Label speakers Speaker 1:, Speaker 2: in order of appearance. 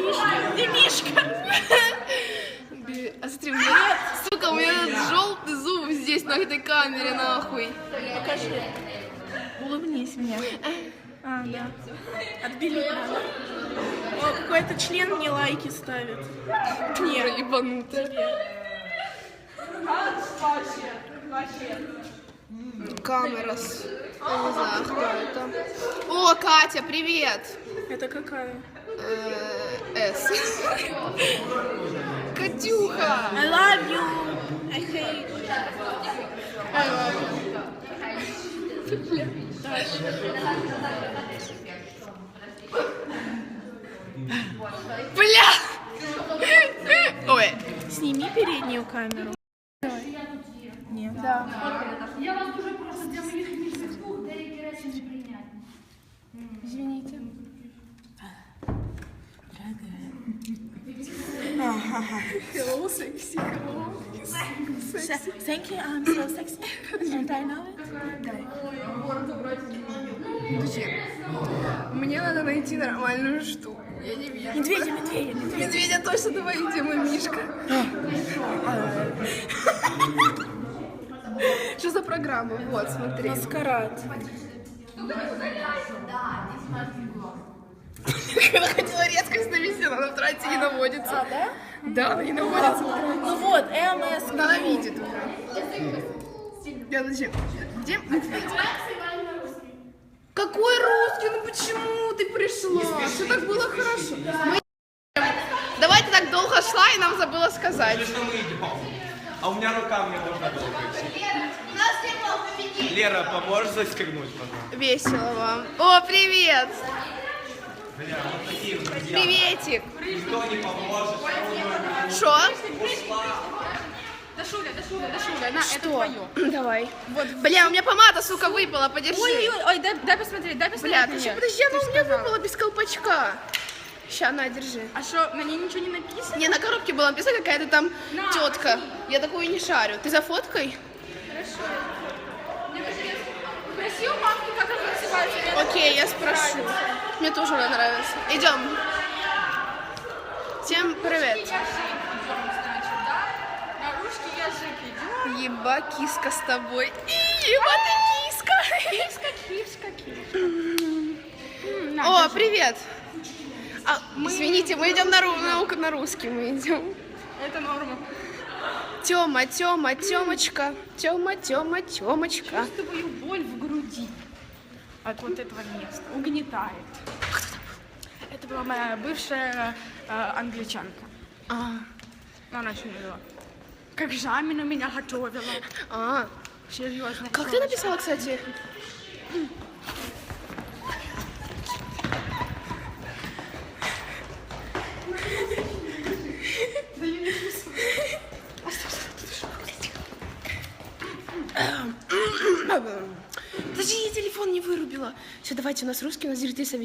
Speaker 1: Ты Мишка.
Speaker 2: А смотри, у меня, сука, у меня желтый зуб здесь на этой камере, нахуй.
Speaker 1: Покажи. Улыбнись мне. А, да. Отбили надо. О, какой-то член мне лайки ставит.
Speaker 2: Дура ебанутая. Камера с... Я не знаю, кто это. О, Катя, привет!
Speaker 1: Это какая?
Speaker 2: С. Катюха!
Speaker 1: I love you. I hate.
Speaker 2: I love you. Бля! Ой.
Speaker 1: Сними переднюю камеру. Нет.
Speaker 2: Да.
Speaker 3: Я вас дуже прошу для моїх міжних слуг деякі речі неприйнятні.
Speaker 2: Извините. Hello, sexy. Hello.
Speaker 1: Thank you, I'm so sexy. And I know it.
Speaker 2: Подожди. Мне надо найти нормальную штуку. Я не вижу.
Speaker 1: Медведя.
Speaker 2: Медведя точно, давай, где мой Мишка? Что за программа? Вот, смотри.
Speaker 1: Маскарад.
Speaker 2: Когда хотела резкость навести, она в трансе не наводится.
Speaker 1: А, да?
Speaker 2: Да, она не наводится.
Speaker 1: Ну вот, МС.
Speaker 2: Она видит уже. Я зачем? Где медведь? Какой русский? Ну почему ты пришла? Все так было хорошо. Давай ты так долго шла и нам забыла сказать.
Speaker 4: Что мы идем? А у меня рука, мне можно было пойти. Лера, поможешь застегнуть, пожалуйста?
Speaker 2: Весело вам. О, привет!
Speaker 4: Бля, вот такие вот друзья.
Speaker 2: Приветик.
Speaker 4: Никто не поможет.
Speaker 2: Шо?
Speaker 3: Да Шуля, на, это
Speaker 2: Что?
Speaker 3: твое.
Speaker 2: Давай. Вот. Бля, у меня помада, сука, выпала, подержи.
Speaker 3: Ой, дай посмотреть,
Speaker 2: Бля, ты что, подожди, она у меня выпала без колпачка. Ща, на, держи.
Speaker 3: А что, на ней ничего не написано?
Speaker 2: Не, на коробке была написана какая-то там тетка. Я такую не шарю. Ты за фоткой?
Speaker 3: Спроси у мамки, как она называется.
Speaker 2: Окей, я спрошу. Мне тоже она нравится. Идем. Всем привет.
Speaker 3: Наружки язык идет.
Speaker 2: Еба, киска с тобой. Еба, ты киска. О, привет. Извините, мы идем на русский, мы идем.
Speaker 3: Это норма.
Speaker 2: Тёма, Тёмочка. Тёмочка.
Speaker 3: Чувствую боль в груди от вот этого места. Угнетает. Это была моя бывшая англичанка. Она еще не была. Как экзамен у меня готовила. Серьезно.
Speaker 2: Как ты написала, кстати? Подожди, я телефон не вырубила. Все, давайте, у нас русский, у нас зрители